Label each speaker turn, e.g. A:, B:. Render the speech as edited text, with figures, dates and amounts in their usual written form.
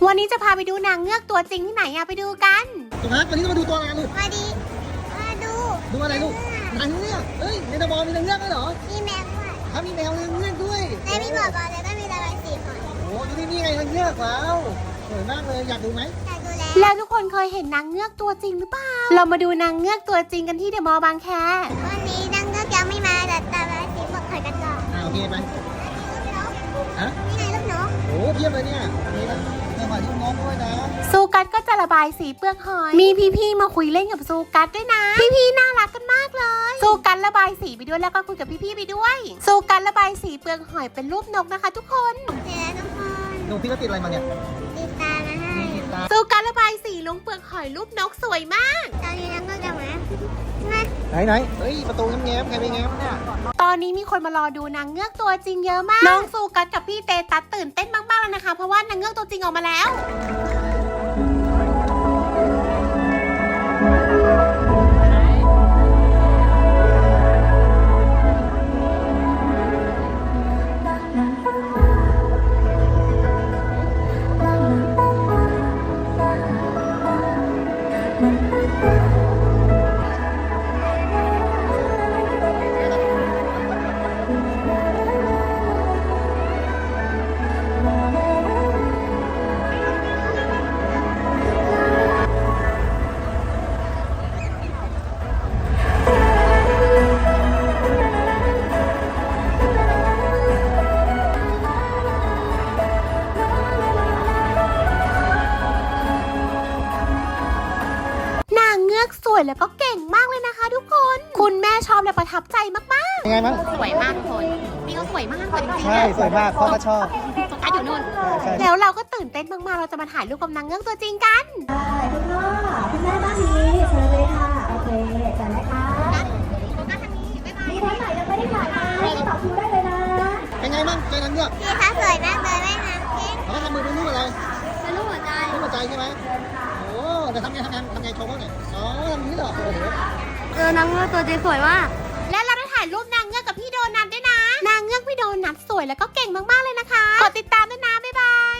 A: วันนี้จะพาไปดูนางเงือกตัวจริงที่ไหนอะไปดูกัน
B: ถูกไหมวันนี้เรามาดูตัวอะไรลูก
C: มาดีมาดู
B: อะไรลูกนางเงือกเอ้ยในตะบอมีนางเงือกด้วยเหรอ
C: มีแมวด้วย
B: มีแมวนางเงือกด้วย
C: และมีบ่อบอลแล้วก็มีระบายสีหอย
B: โอ้ดูนี่ไงนางเงือกแล้วสวยมากเลยอยากดูไหม
C: อยากดู
A: แล้วทุกคนเคยเห็นนางเงือกตัวจริงหรือเปล่าเรามาดูนางเงือกตัวจริงกันที่เดอะมอลล์บางแค
C: วันนี้นางเงือกยังไม่มาแต่ระบายสีหมดถอยกันก่อน
B: โอเคไปฮะ
C: นี่ไงลูกนก
B: โอ้เพียบเลยเนี่ยมีนะมีหอยลูกนกด้วยนะ
A: ซูกัสก็จะระบายสีเปลือกหอยมีพี่ๆมาคุยเล่นกับซูกัสด้วยนะพี่ๆน่ารักกันมากเลยซูกัสระบายสีไปด้วยแล้วก็คุยกับพี่ๆไปด้วยซูกัสระบายสีเปลือกหอยเป็นรูปนกนะคะ ทุกคน
C: เดี๋ยวทุกคน
B: หนูพี่ก็ติดอะไรมาเนี่ย
C: ติดตามาให้
A: ซูกัสระบายสีลงเปลือกหอยรูปนกสวยมาก
C: ตอนนี้นางเงือกจะมา
B: ไหนเฮ้ยประตูแง้มใครไปแง้มเนี่ย
A: ตอนนี้มีคนมารอดูนางเงือกตัวจริงเยอะมากน้องซูกัสกับพี่เตตัสตื่นเต้นมากๆเลยนะคะเพราะว่านางเงือกตัวจริงออกมาแล้วสวยแล้วก็เก่งมากเลยนะคะทุกคนคุณแม่ชอบและประทับใจมาก
B: ยังไงมั้ง
A: ๆสวยมากทุกคนนี่ก็สวยมากเลยจริงๆ
B: ใช่สวยมากพ่อก็ชอบ
A: โฟกัสอยู่นู่นแล้วเราก็ตื่นเต้นมากๆเราจะมาถ่ายรูปกับนางเงือกตัวจริงกัน
D: คุณพ่อคุณแม่บ้านนี้เชิญเลยค่ะโอเคเชิญนะคะ
A: โฟกัสทางนี้บ๊ายบาย
D: มีท่านไหนยังไม่ได้ถ่ายมาต่อคิวได้เลยนะ
B: เป็นไงบ้างเจอนางเงือก
C: พี่คะสวยมากเลยแม่น้ำเก่ง
B: เขาทำมือเป็นรูปอะไร
C: เป็นรูปหัวใจ
B: ใช่ไหมโอ้แต่ทำไงโชว์บ้างเนี่ยอ๋อทำนี้เหรอโอ้โห
C: นางเงือกตัวจริงสวยมาก
A: และเราได้ถ่ายรูปนางเงือกกับพี่โดนัทด้วยนะนางเงือกพี่โดนัทสวยแล้วก็เก่งมากๆเลยนะคะกดติดตามด้วยนะบ๊ายบาย